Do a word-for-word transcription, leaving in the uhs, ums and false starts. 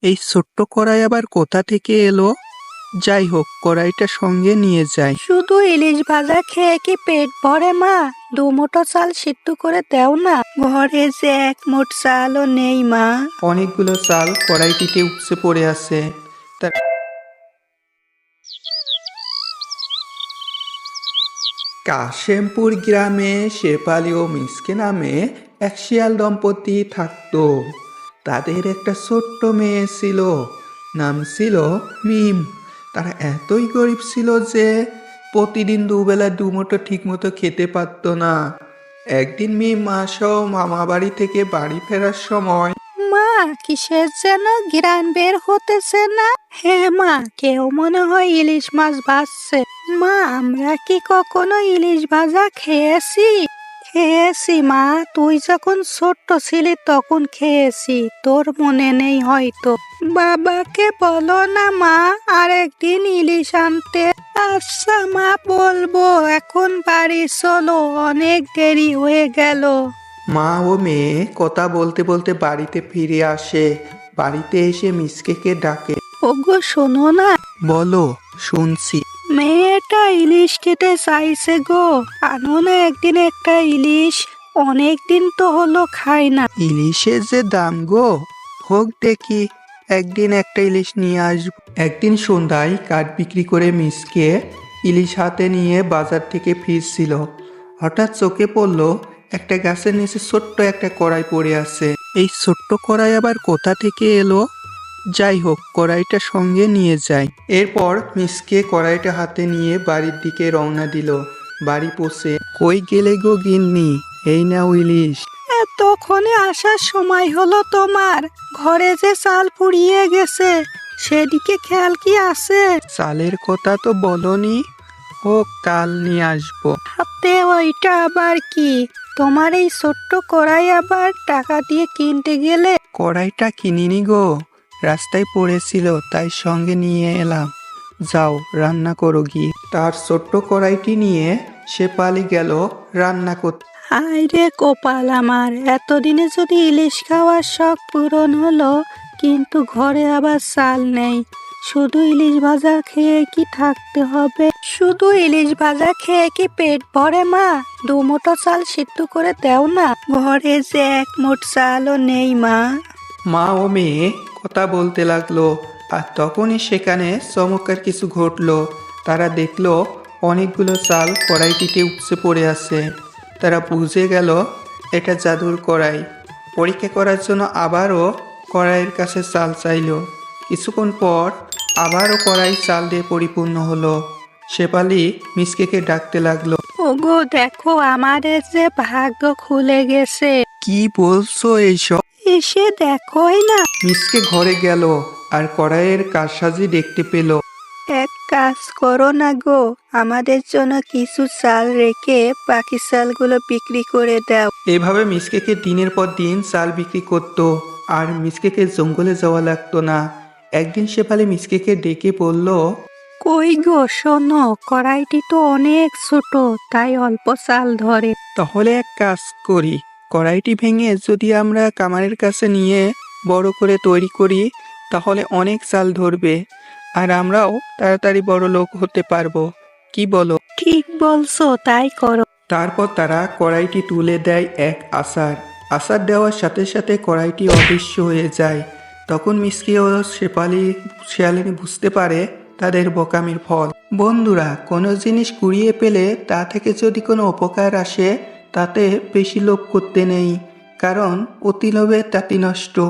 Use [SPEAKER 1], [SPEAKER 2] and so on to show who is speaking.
[SPEAKER 1] এই ছোট্ট কড়াই আবার কোথা থেকে এলো? যাই হোক, কড়াইটা সঙ্গে নিয়ে যাই।
[SPEAKER 2] শুধু ইলিশ ভাজা খেয়ে কি পেট ভরে মা? দু মুঠো চাল সিদ্ধ করে দাও না, ঘরে যে এক মুঠ চালও নেই মা।
[SPEAKER 1] অনেকগুলো চাল কড়াইটিতে উপচে পড়ে আছে। তার কাশেমপুর গ্রামে শেফালি ও মিসকে নামে এক শিয়াল দম্পতি থাকতো। তাদের একটা ছোট্ট মেয়ে ছিল, নাম ছিল মিম। তারা এতই গরিব ছিল যে প্রতিদিন দুবেলা দুমুঠো ঠিক মতো খেতে পারতো না। একদিন মিম মাসহ মামা বাড়ি থেকে বাড়ি ফেরার সময়
[SPEAKER 2] মা, কিসের যেন ঘ্রাণ বের হতেছে না? হ্যাঁ মা, কেউ মনে হয় ইলিশ মাছ ভাজছে। মা, আমরা কি কখনো ইলিশ ভাজা খেয়েছি? খেয়েছি মা, তুই যখন ছোট্ট ছিলি তখন খেয়েছি, তোর মনে নেই হয়তো। বাবাকে বলো না মা আর একদিন ইলিশ আনতে। আচ্ছা মা, বলবো। এখন বাড়ি চলো, অনেক দেরি হয়ে গেল।
[SPEAKER 1] মা ও মেয়ে কথা বলতে বলতে বাড়িতে ফিরে আসে। বাড়িতে এসে মিসকেকে ডাকে।
[SPEAKER 2] ওগো শোনো না,
[SPEAKER 1] বলো, শুনছি।
[SPEAKER 2] মেয়েটা ইলিশ খেতে চাইছে গো, আনো না একদিন একটা ইলিশ, অনেক দিন তো হলো খাই না।
[SPEAKER 1] ইলিশের যে দাম গো, হোক দেখি, একদিন একটা ইলিশ নিয়ে আসবো। একদিন সন্ধ্যায় কাঠ বিক্রি করে মিসকে ইলিশ হাতে নিয়ে বাজার থেকে ফিরছিল। হঠাৎ চোখে পড়ল একটা গাছের নিচে ছোট্ট একটা কড়াই পড়ে আছে। এই ছোট্ট কড়াই আবার কোথা থেকে এলো? যাই হোক, কড়াইটা সঙ্গে নিয়ে যাই। এরপর মিসকে কড়াইটা হাতে নিয়ে বাড়ির দিকে রওনা দিল। বাড়ি পৌঁছে, কই গেলে গো গিন্নি, এই নাও ইলিশ।
[SPEAKER 2] এতক্ষণে আসার সময় হলো তোমার? ঘরে যে চাল ফুরিয়ে গেছে, সেদিকে খেয়াল কি আছে?
[SPEAKER 1] চালের কথা তো বলনি। ও, কাল নিয়ে আসবো।
[SPEAKER 2] হাতে ওইটা আবার কি? তোমার এই ছোট্ট কড়াই আবার টাকা দিয়ে কিনতে গেলে?
[SPEAKER 1] কড়াইটা কিনিনি গো, রাস্তায় পড়েছিল তাই সঙ্গে নিয়ে এলাম। যাও রান্না করো গিয়ে। তার ছোট্ট কড়াইটি নিয়ে সে পালি গেল রান্না করতে।
[SPEAKER 2] হায় রে কপাল আমার, এতদিনে যদি ইলিশ খাওয়ার শখ পূরণ হলো, কিন্তু ঘরে আবার চাল নেই। শুধু ইলিশ ভাজা খেয়ে কি থাকতে হবে? শুধু ইলিশ ভাজা খেয়ে কি পেট ভরে মা? দু মুঠো চাল সিদ্ধ করে দাও না, ঘরে যে এক মুঠ চালও নেই মা।
[SPEAKER 1] মা ও মেয়ে কথা বলতে লাগলো, আর তখনই সেখানে চমৎকার কিছু ঘটলো। তারা দেখলো অনেকগুলো চাল কড়াইটিতে উপচে পড়ে আছে। তারা বুঝে গেল এটা জাদুর কড়াই। পরীক্ষা করার জন্য আবারও কড়াইয়ের কাছে চাল চাইলো। কিছুক্ষণ পর আবারও কড়াই চাল দিয়ে পরিপূর্ণ হলো। শেফালি মিসকেকে ডাকতে লাগলো।
[SPEAKER 2] ওগো দেখো, আমাদের যে ভাগ্য খুলে গেছে।
[SPEAKER 1] কি বলছো এইসব?
[SPEAKER 2] এসে দেখোই না।
[SPEAKER 1] মিসকে ঘরে গেল আর কড়াইয়ের কারসাজি দেখতে পেল।
[SPEAKER 2] এক কাজ করো না গো, আমাদের জন্য কিছু চাল রেখে বাকি চালগুলো বিক্রি করে দাও।
[SPEAKER 1] এভাবে মিসকেকে দিনের পর দিন চাল বিক্রি করত, আর মিসকেকে জঙ্গলে যাওয়া লাগতো না। একদিন শেফালি মিসকেকে ডেকে বলল,
[SPEAKER 2] কই গো শোনো, কড়াইটি তো অনেক ছোট, তাই অল্প চাল ধরে।
[SPEAKER 1] তাহলে এক কাজ করি, কড়াইটি ভেঙে যদি আমরা কামারের কাছে নিয়ে বড় করে তৈরি করি, তাহলে অনেক চাল ধরবে, আর আমরাও তাড়াতাড়ি বড় লোক হতে পারবো। কি বলো?
[SPEAKER 2] ঠিক বলছো, তাই করো।
[SPEAKER 1] তারপর তারা কড়াইটি তুলে দেয় এক আসার। আসার দেওয়ার সাথে সাথে কড়াইটি অদৃশ্য হয়ে যায়। তখন মিসকে ও শেফালি শিয়ালিনী বুঝতে পারে তাদের বোকামির ফল। বন্ধুরা, কোনো জিনিস কুড়িয়ে পেলে তা থেকে যদি কোনো উপকার আসে, তাতে বেশি লোভ করতে নেই, কারণ অতি লোভে তাতি নষ্ট।